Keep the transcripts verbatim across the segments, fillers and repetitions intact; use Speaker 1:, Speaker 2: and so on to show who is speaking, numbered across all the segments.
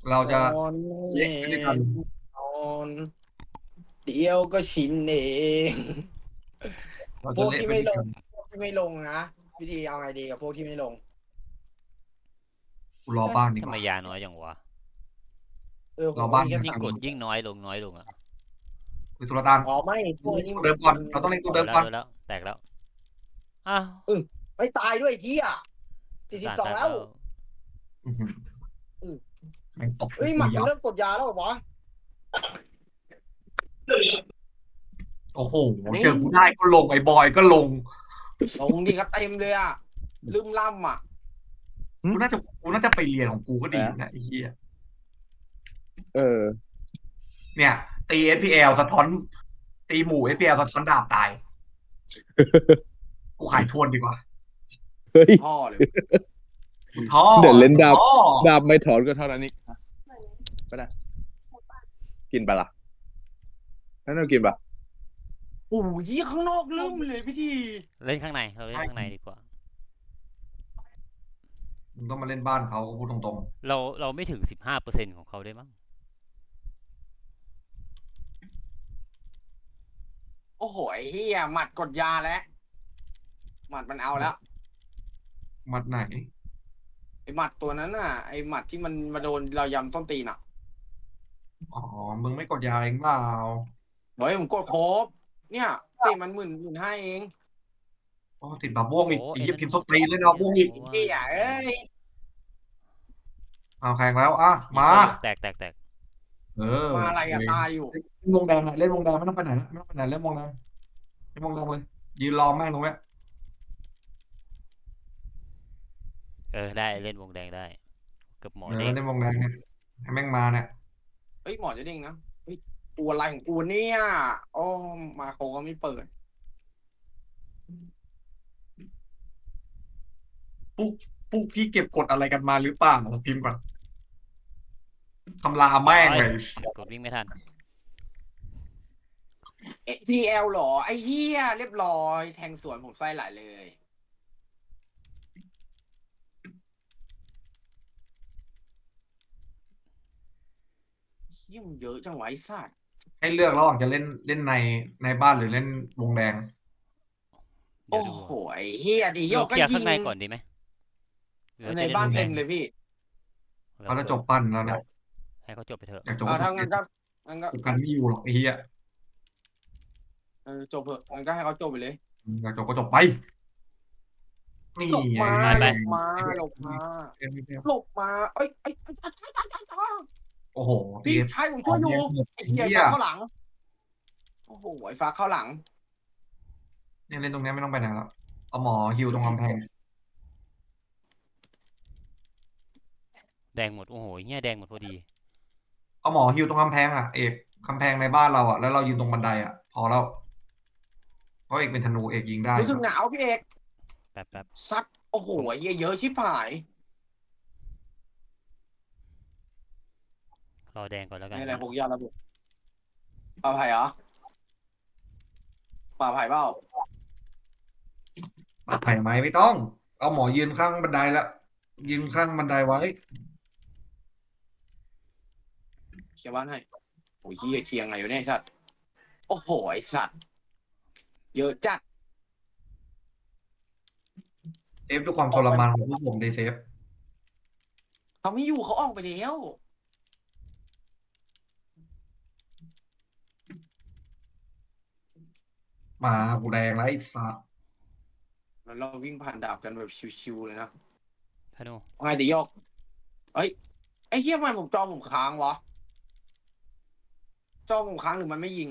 Speaker 1: เรา
Speaker 2: น
Speaker 1: จะ
Speaker 2: อน
Speaker 1: เละไปด้วยกัน
Speaker 2: นอนเดียวก็ชินเองพวก
Speaker 1: เราจะเละ
Speaker 2: ที่ไม่ลง
Speaker 1: ไปด้วยกัน
Speaker 2: พวกที่ไม่ลงนะวิธีเอาไงดีกับพวกที่ไม่ลง
Speaker 1: กูรอบ้านดี
Speaker 3: ทำ
Speaker 1: กว่า
Speaker 3: ไมยาน้อยอย่างวะ
Speaker 2: เออผ
Speaker 1: รอบ้าน
Speaker 2: มก็มีแค่
Speaker 3: ยิ่ง
Speaker 2: สาม
Speaker 3: กดยิ่งน้อยลงน้อยลงอ่ะ
Speaker 1: คือสุลต่าน
Speaker 2: อ๋อไม่พวกนี้
Speaker 1: ตัวเดิมก่อน
Speaker 2: มัน
Speaker 1: เราต้องเล่นตัว
Speaker 3: โด
Speaker 1: เดิมก่อน
Speaker 3: นแล้วโดนแล้วแตกแล้วอ้าว
Speaker 2: เออไม่ตายด้วยไอ้เหี้ยสี่สิบ
Speaker 3: สาร
Speaker 2: สองแล้ว
Speaker 3: แตกแล้ว
Speaker 1: อื้อหือ
Speaker 2: เออ
Speaker 1: แม่งตก
Speaker 2: เอ้ยห
Speaker 1: กูยับ
Speaker 2: มัดมันเริ่มกดยาแล้วเหรอวะ
Speaker 1: โอ้โห
Speaker 2: นี่
Speaker 1: เจอกูได้ก็ลงไอ้บอยก็ลง
Speaker 2: ลงดีก็เต็มเลยอ่ะลืมล่ำอ่ะ
Speaker 1: กูน่าจะกูน่าจะไปเรียนของกูก็ดีอยู่นะไอ้เหี้ย
Speaker 4: เออ
Speaker 1: เนี่ยตี เอส พี แอล สะท้อนตีหมู่ เอส พี แอล สะท้อนดาบตายกูขายทวนดีกว่า
Speaker 4: เฮ้ย
Speaker 2: พ่อเลย
Speaker 1: คุณท่อ
Speaker 4: เดี๋ยวเล่นดาบ
Speaker 1: ท่อ
Speaker 4: ดาบไม่ถอนก็เท่านั้นนี่ไปนะกินปะล่ะนั่นเรากินปะ
Speaker 2: โอ้ยข้างนอกลืมเลยพี่ที
Speaker 3: เล่นข้างในเราเล่นข้างในดีกว่า
Speaker 1: มึงต้องมาเล่นบ้านเขาพูดตรง
Speaker 3: เราเราไม่ถึงสิบห้าเปอร์เซ็นต์ของเขาได้มั้ง
Speaker 2: โอ้โหไอ้เฮียหมัดกดยาแล้วหมัดมันเอาแล้ว
Speaker 1: ๆมัดไหน
Speaker 2: ไอ้หมัดตัวนั้นน่ะไอ้หมัดที่มันมาโดนเรายำต้นตีนอ่ะ
Speaker 1: อ๋อมึงไม่กดยาเองเปล่า
Speaker 2: เฮ้ยผมกดครบเนี่ยตีมันหมื่นหมื่นห้าเอง
Speaker 1: อ๋อติดบาบ้วงอีก
Speaker 3: โอ้
Speaker 1: ไอ้
Speaker 3: ไอ้
Speaker 1: เหี้ย
Speaker 3: นั่น
Speaker 1: พิมพ์ส้นตีนเลยนะบ้วงอีก
Speaker 2: เฮียเอ้ย
Speaker 1: เอาแข่งแล้วอ่ะมา
Speaker 3: แตกแตกแตก
Speaker 1: เออ
Speaker 2: มาอะไรอะตายอยู่
Speaker 1: เล่นวงแดงอะเล่นวงแดงไม่ต้องไปไหนละไม่ต้องไปไหนเล่นวงแดงเล่นวงแดงเลยยืนรอแม่งตรงเนี้ย
Speaker 3: เออได้เล่นวงแดงได้เกือบหมอ
Speaker 1: เออ
Speaker 3: เด้ง
Speaker 1: เล่นวงแดงเนี่ยให้แม่งมาเนี่ย
Speaker 2: เฮ้ยหมอจะเด้งนะเฮ้ยตัวอะไรของกูเนี่ยโอ้มาโคก็ไม่เปิด
Speaker 1: ปุ๊กปุ๊กพี่เก็บกดอะไรกันมาหรือเปล่าพิมพ์ก่อนทำลาแม่งเลย
Speaker 3: กดวิ่งไม่ทัน
Speaker 2: เอพีแอลหรอไอ้เฮียเรียบร้อยแทงสวนผมไส้ไหลเลยเฮียมันเยอะจังวะไอ้สัตว์
Speaker 1: ให้เลือกระหว่างจะเล่นเล่นในในบ้านหรือเล่นวงแดง
Speaker 3: เดี๋ย
Speaker 2: โอ้
Speaker 3: วดู
Speaker 2: โหไอ้เฮียดีโย
Speaker 3: เรา
Speaker 2: กก็
Speaker 3: เคลียร์
Speaker 2: ยิ
Speaker 3: ข้าง งในก่อนดีไหมหรือ
Speaker 2: ใน
Speaker 3: จะล่
Speaker 2: บ้าน
Speaker 3: วงแด
Speaker 2: เต็
Speaker 3: ง
Speaker 2: มเลยพี่
Speaker 1: เขาจะจบปั้นแล้วเนี่ย
Speaker 3: ให้เขาจบไปเถอะ
Speaker 1: อยากจบ
Speaker 2: อ่า
Speaker 1: ก็จ
Speaker 2: ถ้า
Speaker 1: บ
Speaker 2: งั้นก็งั้นก็
Speaker 1: จบกันไม่อยู่หรอกไอ้เหี้ย
Speaker 2: เออจบเถอะงั้นก็ให้เขาจบไปเลย
Speaker 1: อยากจบก็จบไปนี่
Speaker 2: หลบมา
Speaker 1: ไง
Speaker 2: หลบมาหลบมาหลบมาเอ้ยเอ้ย
Speaker 1: โอ้โห
Speaker 2: พี่ชายผมช่วยอยู่ไอ้เฮีย
Speaker 1: เหี้ย
Speaker 2: ฟ้าเข้าหลังโอ้โหไอ้ฟ้าเข้าหลัง
Speaker 1: เนี่ยเล่นตรงเนี้ยไม่ต้องไปไหนแล้วเอาหมอฮิวตรงกำแพง
Speaker 3: แดงหมดโอ้โหเงี้ยแดงหมดพอดี
Speaker 1: เอาหมอฮิวตรงกำแพงอ่ะเอกกำแพงในบ้านเราอ่ะแล้วเรายืนตรงบันไดอ่ะ พอแล้วเพราะเอกเป็นธนูเอกยิงได้
Speaker 2: รู้สึกหนาวพี่เอก
Speaker 3: แป๊บแป๊บ
Speaker 2: ซัดโอ้โหไอ้เหี้ยเยอะชิบหาย
Speaker 3: รอแดงก่อนแล้วกัน
Speaker 2: นี่อะไรพวกยาระเบิดปลาไผ่เหรอปลาไผ่เปล่า
Speaker 1: ปัดไผ่ไหมไม่ต้อง เอาหมอยืนข้างบันไดแล้วยืนข้างบันไดไว้
Speaker 2: เคลียร์บ้านให้โอ้ยเหี้ยเคลียร์ไงอยู่เนี่ยไอ้สัตว์โอ้โหไอ้สัตว์เยอะจัด
Speaker 1: เซฟด้วยความทรมานของพวกผมในเซฟ
Speaker 2: เขาไม่อยู่เขาออกไปแล้ว
Speaker 1: มากูแดงแล้วไอ้สัตว์
Speaker 2: แล้วเราวิ่งผ่านดาบกันแบบชิวๆเลยนะ
Speaker 3: พนุ
Speaker 2: ไงเดี๋ยวยกเอ้ยไอ้เหี้ยทำไมผมจอผมค้างวะจอผมค้างหรือมันไม่ยิง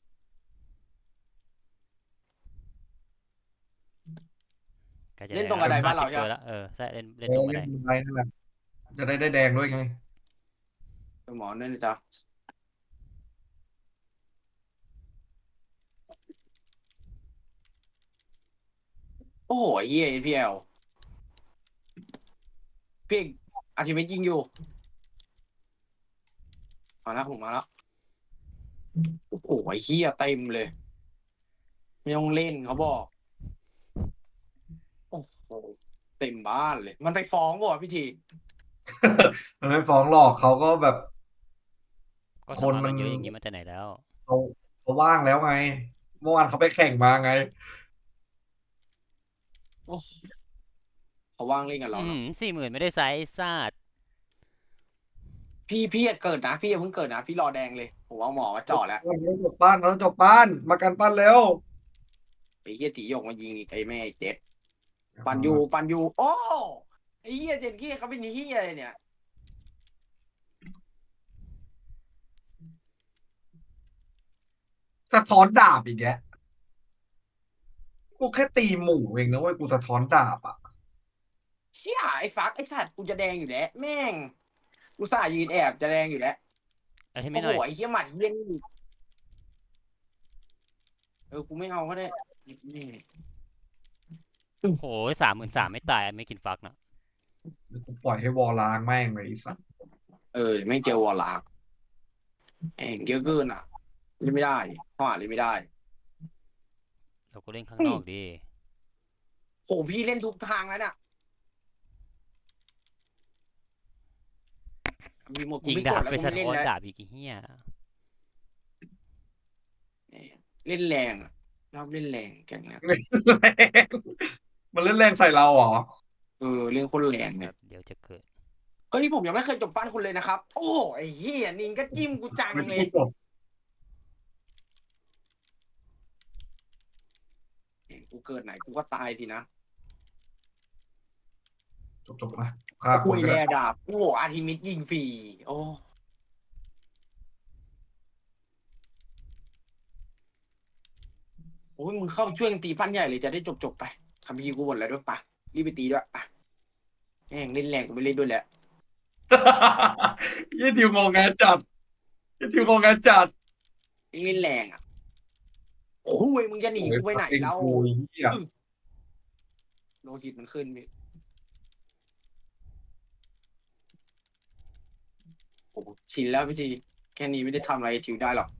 Speaker 3: ก็จะ
Speaker 2: เล่นตรงกระไดบ้านเราใช่
Speaker 3: ใช่
Speaker 2: ไหม
Speaker 3: ละเออใช่เล่นเล่น
Speaker 1: เอ
Speaker 3: ตร
Speaker 1: อง
Speaker 3: กระ
Speaker 1: เล่
Speaker 3: ได
Speaker 1: นบันไดนั่นแหละจะได้ได้แดงด้วยไง
Speaker 2: หมอเนี่ยนะจ๊ะโอ้โหไอ้เหี้ยเอพีแอลพี่เอกอาทิตย์ไม่ยิงอยู่มาแล้วผมมาแล้วโอ้โหไอ้เหี้ยเต็มเลยไม่ต้องเล่นเขาบอกโอ้โหเต็มบ้านเลย มันไปฟ้องบ่พี่ที
Speaker 1: มันไม่ฟ้องหรอกเขาก็แบบ
Speaker 3: ก็
Speaker 1: ค
Speaker 3: ส
Speaker 1: น
Speaker 3: มัคร
Speaker 1: มั
Speaker 3: กัน นเยอะอย่างนี้มาแต่ไหนแล้ว
Speaker 1: เขาเขาว่างแล้วไง เมื่อวานเขาไปแข่งมาไง
Speaker 2: โอ้เขาว่างเล่นกับเรา
Speaker 3: อื
Speaker 2: เนาะ
Speaker 3: มสี่หมื่นไม่ได้ไซส์ซาด
Speaker 2: พี่พี่อย่าเกิดนะพี่อย่าเพิ่งเกิดนะพี่รอแดงเลยผมเอาหมอมาจ่อแล้ว
Speaker 1: เราจบปั้นเราจบปั้นมากันปั้นเร็ว
Speaker 2: ไอ้เหี้ยตีหยกมายิงอีกไอ้แม่เจ็ดปันยูปันยูโอ้ไอ้เหี้ยเจ็ดเหี้ยเขาเป็นเหี้ยอะไรเนี่ย
Speaker 1: สะท้อนดาบอีกแกกูแค่ตีหมู่เองนะเว้ยกูสะท้อนดาบอ่ะ
Speaker 2: เชี่ยไอ้ฟักไอ้สัตว์กูจะแดงอยู่แล้วแม่งกูสายยืนแอบจะแดงอยู่แล้ว
Speaker 3: เอาที่
Speaker 2: โอ้
Speaker 3: ไม่ห
Speaker 2: โห
Speaker 3: น่อย
Speaker 2: ไอ้เหี้ยหมัดเหี้ยนี่เออกูไม่เอาก็ได้นี่
Speaker 3: โอ้โหสามหมื่นสามไม่ตายไม่กินฟักนะ
Speaker 1: เดี๋ยวกูปล่อยให้วอลล้างแม่งเลยไอ้สัส
Speaker 2: เออไม่เจอวอลลากแม่งเยอะเกินอ่ะเล่นไม่ได้ข้อหาเล่นไม่ได้
Speaker 3: เราก็เล่นข้างนอกดี
Speaker 2: โหพี่เล่นทุกทางแล้วน่ะมีหมดกู
Speaker 3: ยิง
Speaker 2: ไม่
Speaker 3: ดาก บ
Speaker 2: ดแล้ว
Speaker 3: ไป
Speaker 2: กู
Speaker 3: สะ
Speaker 2: ไม่เล่น
Speaker 3: ท้อน
Speaker 2: แล้ว
Speaker 3: ดาบอีกไอ้เฮีย
Speaker 2: เล่นแรงอะชอบเล่นแรงแกงเนี้ย
Speaker 1: มันเล่นแรงใส่เราเหรอ
Speaker 2: เออเล่นคนแรง
Speaker 3: แบ
Speaker 2: เนี่ย
Speaker 3: บเดี๋ยวจะเกิด
Speaker 2: เฮ้ยผมยังไม่เคยจบปั้นคุณเลยนะครับ โอ้โหไอ้เหี้ยนินก็จิ้มกูจัง
Speaker 1: ไม่
Speaker 2: เล
Speaker 1: พู
Speaker 2: ย
Speaker 1: ดจบ
Speaker 2: กูเกิดไหนกูก็ตายสินะ
Speaker 1: จบจบมาฆ่าค
Speaker 2: คุ
Speaker 1: น
Speaker 2: ย
Speaker 1: ก็
Speaker 2: แล
Speaker 1: ได้
Speaker 2: ดาบโอ้โหอาร์ทิมิดยิงฟรีโอ้โอ้ยมึงเข้าช่วยกันตีปั้นใหญ่เลยจะได้จบจบๆไปคำพีร์กูหมดแล้วด้วยปะรีบไปตีด้วยปะแม่งเล่นแรงกูไม่เล่นด้วยแหละ
Speaker 1: ยี่ทิวงงงานจัดยี่ทิวงงงานจัด
Speaker 2: เล่นแรงอ่ะโอ้ยมึงจะหนีกูไปไหนแล้ว
Speaker 1: โอ้ยเหี้ย
Speaker 2: โลหิตมันขึ้นพี่โอ้โหชินแล้วพี่ทีแค่นี้ไม่ได้ทำอะไรทิวได้หรอก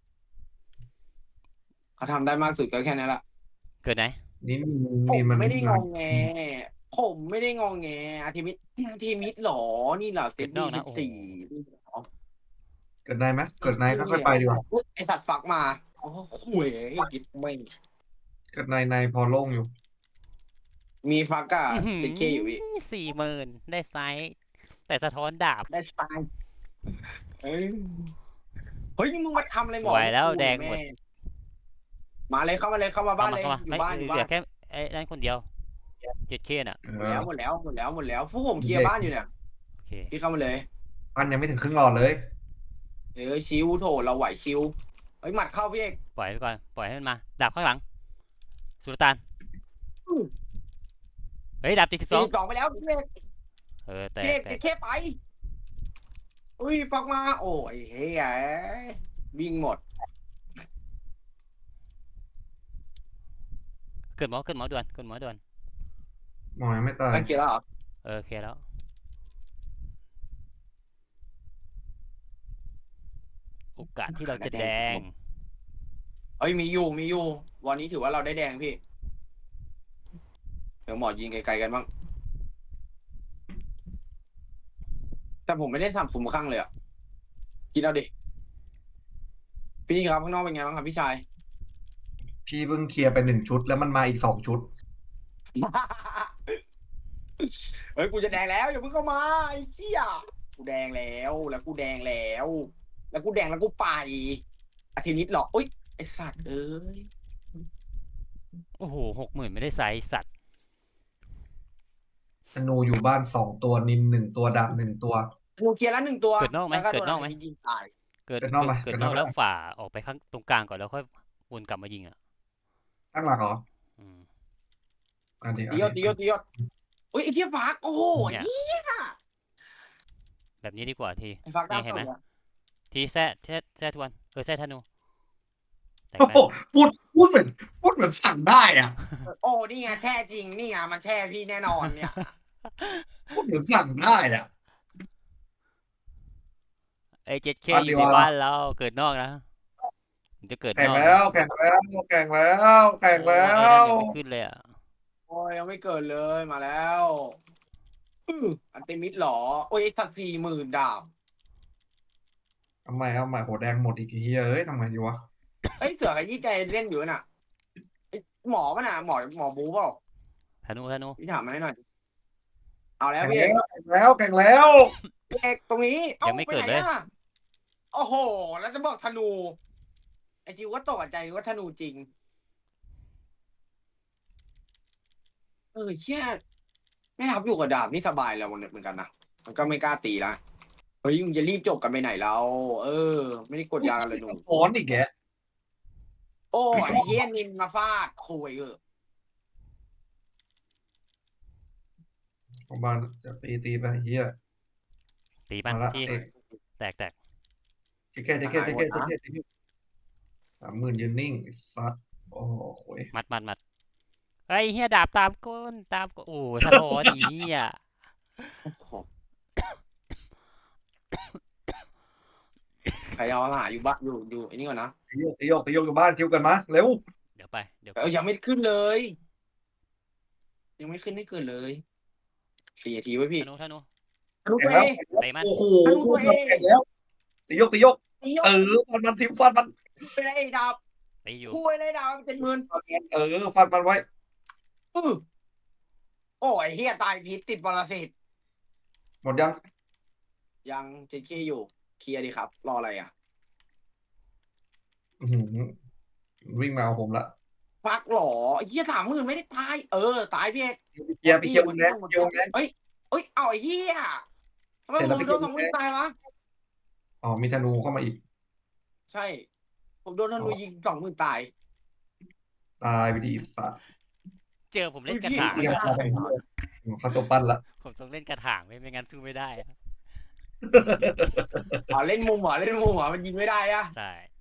Speaker 2: เขาทำได้มากสุดก็แค่นั้นแหละ
Speaker 3: เกิดไหน
Speaker 1: นี่
Speaker 2: ผม
Speaker 1: นี่มัน
Speaker 2: ไม่ได้งองแง ผมไม่ได้งองแงอาทิมิตอาทิมิตหรอ นี่เหรอเซตบี้สิบสี่
Speaker 1: เกิดนายไหมเกิดนายค่อยๆไปดีกว่า
Speaker 2: อุ๊ยไอสัตว์ฝักมาโอ้ข่วยกิดไม่
Speaker 1: เกิดนายนายพอโล่งอยู่
Speaker 2: มีฟักอะเจ็ดเคอยู่พี่
Speaker 3: สี่หมื่นได้ไซส์แต่สะท้อนดาบ
Speaker 2: ได้สไตล์เฮ้ยเฮ้ยมึงมาทำอะไรหม
Speaker 3: ส
Speaker 2: อ
Speaker 3: วยแล้วแดงหมด
Speaker 2: มาเลยเข้ามาเลยเข้ามาบ้านเลย
Speaker 3: เข้ามา
Speaker 2: อยู่
Speaker 3: ไม่
Speaker 2: บ้านอยู่
Speaker 3: เหลื
Speaker 2: บ้า
Speaker 3: อน แค่ไอ้นั่นคนเดียวเจ็ดเคน่ะ
Speaker 1: เอ
Speaker 2: หมด
Speaker 1: อ
Speaker 2: แล้วหมดแล้วหมดแล้วหมดแล้วพวกผมเคลียร์บ้านอยู่เนี่ย
Speaker 3: โอเค
Speaker 2: พี่เข้ามาเลย
Speaker 1: ปั้นยังไม่ถึงครึ่งหลอดเลย
Speaker 2: เออชิวโถเราไหวชิวเฮ้ยหมัดเข้าพี่เอก
Speaker 3: ปล่อยไปก่อนปล่อยให้มันมาดาบข้างหลังสุลต่านเฮ้ยดาบตีสิบส
Speaker 2: สี่
Speaker 3: อง
Speaker 2: สิบสองไปแล้วพี่เอก
Speaker 3: เออแต่
Speaker 2: พี่เอก
Speaker 3: แต่
Speaker 2: ติดแค่ไปอุ้ยฟักมา โอ้ยเฮ้ยวิ่งหมด
Speaker 3: เกิดหมอเกิดหมอด่วนเกิดหมอด่วน
Speaker 1: หมอยังไม่ตาย
Speaker 2: ตั้งเกียร์แล้วเหรอ
Speaker 3: เออโอเคแล้วโอกาสที่เราจะแดง
Speaker 2: เอ้ยมีอยู่มีอยู่ วันนี้ถือว่าเราได้แดงพี่ เดี๋ยวหมอยิงไกลๆกันบ้าง แต่ผมไม่ได้ทำสุ่มข้างเลยอ่ะกินเอาดิ พี่นี่ครับข้างนอกเป็นไงบ้างครับพี่ชาย
Speaker 1: พี่เพิ่งเคลียร์ไปหนึ่งชุดแล้วมันมาอีกสองชุด
Speaker 2: เฮ้ยกูจะแดงแล้วอย่าเพิ่งเข้ามาไอ้เชี่ยกูแดงแล้วแล้วกูแดงแล้ว แล้วกูแดงแล้วกูไปอาทิตย์นี้หรออุ้ยไอสัตว์เอ้ย
Speaker 3: โอ้โหหกหมื่นไม่ได้ไซส์สัตว์
Speaker 1: ธนูอยู่บ้านสองตัวนินหนึ่งตัวดาบหนึ่งตัว
Speaker 2: กูเคลียร์แล้วหนึ่งตัว
Speaker 3: เกิดนอกไหม
Speaker 2: แล้ว
Speaker 3: เกิดนอกไหม
Speaker 2: ตัวยิงตาย
Speaker 3: เกิด
Speaker 1: เกิดนอกไหม
Speaker 3: เกิด
Speaker 1: เกิด
Speaker 3: น
Speaker 1: น
Speaker 3: อ
Speaker 1: อก ก
Speaker 3: แล้วฝ่าออกไปข้างตรงกลางก่อนแล้วค่อยวนกลับมายิงอ่ะ
Speaker 1: ตั้งหลักเหรอ
Speaker 3: อืม
Speaker 1: อันเดียว
Speaker 2: ตียศตียศตียศอุ้ยไอ้เทียฟักโอ้โห
Speaker 3: เนี่ย
Speaker 2: เหี้ย
Speaker 3: แบบนี้ดีกว่าที
Speaker 2: ไอ้ฟัก
Speaker 3: นี่
Speaker 2: ดาว
Speaker 3: เห็นไหม
Speaker 2: ตกอะ
Speaker 3: ทีแซ่แซ่แซ่ทวนเออแซ่ธนูแต่ง
Speaker 1: โอ้
Speaker 3: ไหม
Speaker 1: โหพูดพูดเหมือนพูดเหมือนสั่งได้อ่ะ
Speaker 2: โอ้นี่ไงแช่จริงนี่ไงมันแช่พี่แน่นอนเนี่ย
Speaker 1: พูดเหมือนสั่งได้อ่ะ
Speaker 3: ไอ้เจ็ดเค
Speaker 1: บ้าน
Speaker 3: อ
Speaker 1: ดี
Speaker 3: ยู่ใน
Speaker 1: วะ
Speaker 3: บ้านเราเกิดนอกนะมันจะเกิด
Speaker 1: แข่
Speaker 3: น
Speaker 1: ง
Speaker 3: อก
Speaker 1: แล้วแข่งแล้วแข่งแล้วแข่ง
Speaker 3: โอ้
Speaker 1: แล้
Speaker 3: ยไอ้นั่น
Speaker 1: ว
Speaker 3: ยังไม่ขึ้นเลยอ่ะ
Speaker 2: โอ้ยยังไม่เกิดเลยมาแล้วอื้ออันติมิดเหรอโอ้ยสักสี่หมื่นดาบ
Speaker 1: ทำไมเอาใหม่โหแดงหมดอีกเฮียเอ้ยทำไงดีวะ
Speaker 2: เอ้ยเสือกับยี่ใจเล่นอยู่น่ะไอ้หมอป่ะน่ะหมอหมอบูเปล่า
Speaker 3: ธนูธนู
Speaker 2: พี่ถามมาให้หน่อยเอาแล้ว
Speaker 1: แข่ง
Speaker 2: พี่เอก
Speaker 1: แล้วแข่งแล้ว
Speaker 2: พี่เอกตรงนี้เอ้า
Speaker 3: ยังไม่เกิด
Speaker 2: ปหน
Speaker 3: เลย
Speaker 2: อะโอ้โห แล้วจะบอกธนูไอจิวก็ตกใจว่าธนูจริง เออเชี่ยไม่ทับอยู่กับดาบนี่สบายแล้วเหมือนกันนะมันก็ไม่กล้าตีละเฮ้ยมึงจะรีบจบกันไปไหนแล้วเออ ไม่ได้กดยากันเลยหนู
Speaker 1: ฟ้อนอีกแก
Speaker 2: โอ้ไอ้เฮียนินมาฟาดคุยเออ
Speaker 1: ประมาณจะตีตีไปเฮีย
Speaker 3: ตีมัน
Speaker 1: มาละ
Speaker 3: ที่
Speaker 1: เอก
Speaker 3: แตกแตก
Speaker 1: เจ๊แค่เจ๊แค่เจ๊แค่เจ๊แค่เจ๊แค่สามหมื่นยืนนิ่งไอ้สัตว์โอ้โหโหย
Speaker 3: มัดมัดมัดไอ้เฮียดาบตามก้นตามก้นโอ้สะท้อนอีเฮีย
Speaker 2: โอ้โหใครเอาหาอยู่บ้านอยู่อยู่ไอ้นี่ก่อนนะ
Speaker 1: ตีโยกตีโยกตีโยกอยู่บ้านคิวกันมาเร็ว
Speaker 3: เดี๋ยวไปเดี๋ยว
Speaker 2: เออยังไม่ขึ้นเลย ยังไม่ขึ้นให้เกิดเลยสี่นาทีไว้พี่
Speaker 3: ธนูธนู
Speaker 2: ธนู
Speaker 1: แข่
Speaker 2: ตั
Speaker 1: ง
Speaker 2: ว
Speaker 1: แล้ว
Speaker 2: เอง
Speaker 3: เตะมัน
Speaker 1: โอ้โห
Speaker 2: ธนูตัวเอง
Speaker 1: แข่งแล้วตีโยกตีโยก
Speaker 2: ตียก
Speaker 1: เออฟันมันทิวฟันมัน
Speaker 2: ไปเลยดาบ
Speaker 3: ตีอยู่
Speaker 2: คุยเลยดาบเจ็ดหมื่น
Speaker 1: เออฟันมันไว้
Speaker 2: อือโอ้ยเฮียตายพิษติดปรสิต
Speaker 1: หมดยัง
Speaker 2: ยังเจ็ดเคอยู่ เคลียร์ดีครับ รออะไรอ่ะ
Speaker 1: อื้อหือวิ่งมาเอาผมละ
Speaker 2: ฟักหรอเฮียสามหมื่นไม่ได้ตาย เออ ตายพี่เอก
Speaker 1: เกียร์ไปเกียร์วงแดงเกียร์วงแดง
Speaker 2: เอ้ยเอ้ยเอาไอ้เฮียทำไม
Speaker 1: เสร็จ
Speaker 2: ผ
Speaker 1: แล้ว
Speaker 2: ม
Speaker 1: ไป
Speaker 2: โดน
Speaker 1: เก็บ
Speaker 2: สองหมื่นตายวะ
Speaker 1: อ๋อมีธนูเข้ามาอีก
Speaker 2: ใช่ ผมโดนธนูยิงสองหมื่นตาย
Speaker 1: ตายไปดีสัตว์
Speaker 3: เจอผมเล่นกระถาง
Speaker 1: เกียร์มาทางนี้เลยอืมเข้าตัวปั้นละ
Speaker 3: ผมต้องเล่นกระถางไม่ไม่งั้นสู้ไม่ได้อะ
Speaker 2: อ๋อเล่นมุมเหรอเล่นมุมเหรอมันยิงไม่ได้อะ
Speaker 3: ใช่